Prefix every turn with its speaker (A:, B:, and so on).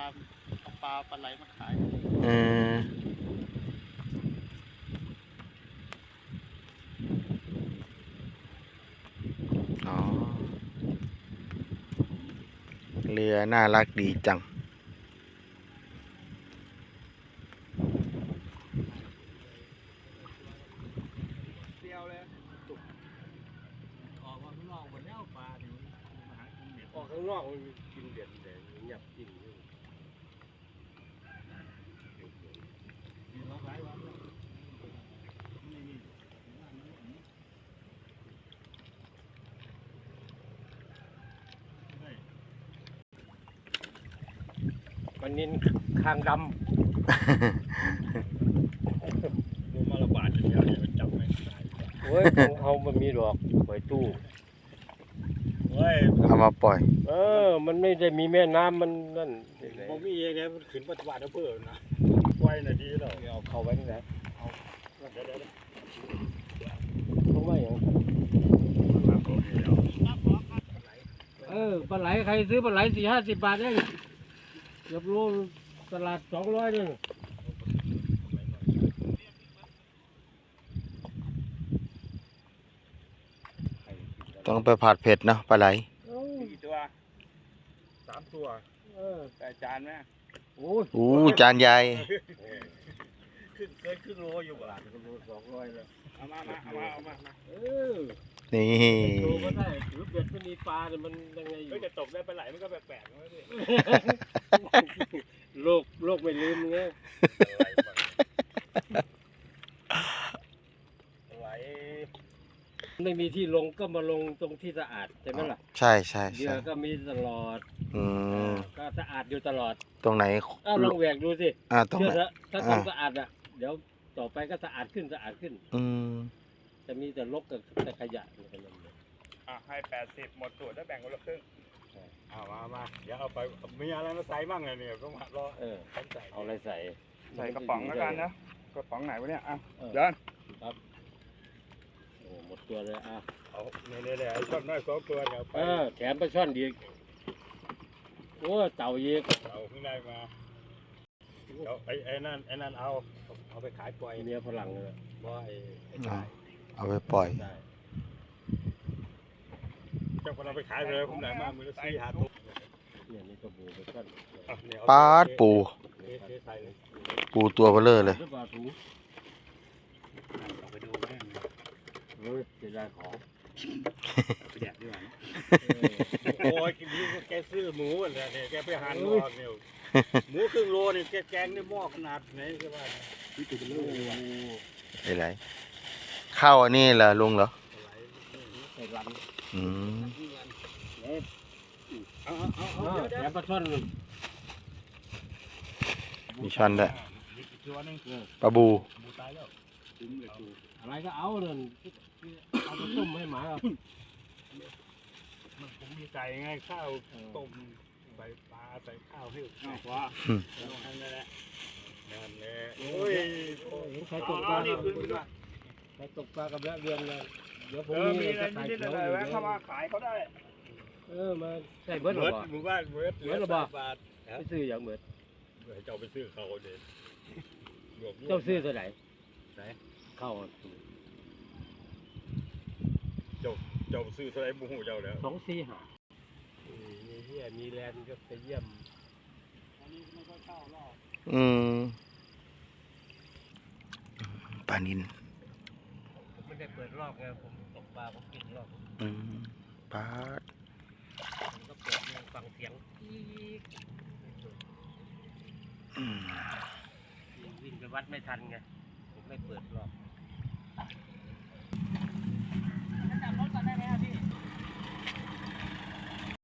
A: ปลาไหลมาขาย
B: อ๋อเรือน่ารักดีจัง
A: เดียวเลยออกมาข้างนอกหมดแล้วปลาถึงมาหากินเด็ดออกข้างนอกมันกินเด็ดแต่เงียบกินล็อกไว้วะมันนินคางดำดูมาระบาดอย่างเดียวเนี่ยมันจับไม่ได้โอ้ยของเขามันมีดอกไว้ตู้เฮ้ย
B: เอามาปล่อย
A: มันไม่ได้มีแม่น้ำมันนั่นผมมีเองเนี่ยมันขึ้นปัจจุบันนะเพื่อนนะไว้น่ะดีแล้วเอาเข้าไว้ที่ไหนเอาเดี๋ยวเขาไว้อย่างปลาไหลใครซื้อปลาไหล40-50 บาทเองเกือบโลตลาด200เลย
B: ต้องไปผัดเผ็ดเนาะปลาไหล
A: กี่ตัว3 ตัวแต่จานไหมโอ้
B: จานใหญ่
A: ครึ่งโลอยู่บาทครึ่งโล200เลยเอามา
B: นี่
A: โลก็ได้ถือเบ็ดไม่มีปลาเนี่ยมันยังไงอยู่จะตกได้ปลาไหลมันก็แปลกๆนะพี่โลกไม่ลืมไงไหลไม่มีที่ลงก็มาลงตรงที่สะอาดใช่ไหมล่ะ
B: ใช่
A: เรือก็มีตลอดก็สะอาดอยู่ตลอด
B: ตรงไหน
A: ลองแหวกดูสิ
B: ตรงไหน
A: ถ้าต้องสะอาดอ่ะเดี๋ยวต่อไปก็สะอาดขึ้นจะมีแต่รกกับแต่ขยะกันเลยให้80หมดตัวได้แบ่งคนละครึ่งมาเดี๋ยวเอาไปมีอะไรมาใส่บ้างเนี่ยก็มารอเอาอะไรใส่กระป๋องแล้วกันนะกระป๋องไหนวะเนี่ยเดินครับโอ้หมดตัวเลยเอาเนี่ยไอ้ช่อนน้อย2 ตัวเนี่ยไปแถมไปช่อนดีโอ้เต่าเยกเต่าขึ้นได้มาไอ้นั่นเอาไปขายปล่อยเนื้อฝรั่งเลยว่าไอ้
B: เอาไปปล่อย
A: เจ้าคนเอาไปขายเลยผมได้มามือละ4-5 ตัวเนี่ยนี่ก็ปูไปช่อน
B: ปลาปูตัวเบลอเลย
A: เอาไปดูแม่จะได้ของไปแดกดีกว่าโอ้ยกินนี้แกซื้อหมูเนี่ยแกไปหั่นเนี่ยหมูครึ่งโลเนี่ยแกงในหม้อขนาดไหนก็ว่านี่ตัวเบลอ
B: ไหลข้าวอันนี้เหรอลุงเหรอ
A: แถมปลาช่อน
B: มีช่อนด้วยปลาบู
A: อะไรก็เอาเลยเอาไปต้มให้หมาผมมีไก่ไงข้าวต้มใส่ปลาใส่ข้าวให้ว้านั่นแหละโอ้ยใครตกปลาใครตกปลากับแม่เรือนเลยเดี๋ยวผมมีจะขายเขาเลยเข้ามาขายเขาได้มาใส่เบิร์ดหรอหมู่บ้านเบิร์ดหรอบาทไปซื้ออย่างเบิร์ดเจ้าไปซื้อเขาเด็ดเจ้าซื้อเท่าไหร่เข้าเจ้าซื้อเท่าไหร่บุหูเจ้าแล้ว2-4-5มีเฮียมีแลนด์ก็ไปเยี่ยมอันนี้ไม่ค่อยเข้ารอบ
B: ปลานิล
A: ผมไม่ได้เปิดรอบไงผมตกปลาผมกินรอบ
B: ปลา
A: ผมก็เปิดฟังเสียงวิ่งไปวัดไม่ทันไงผมไม่เปิดรอบ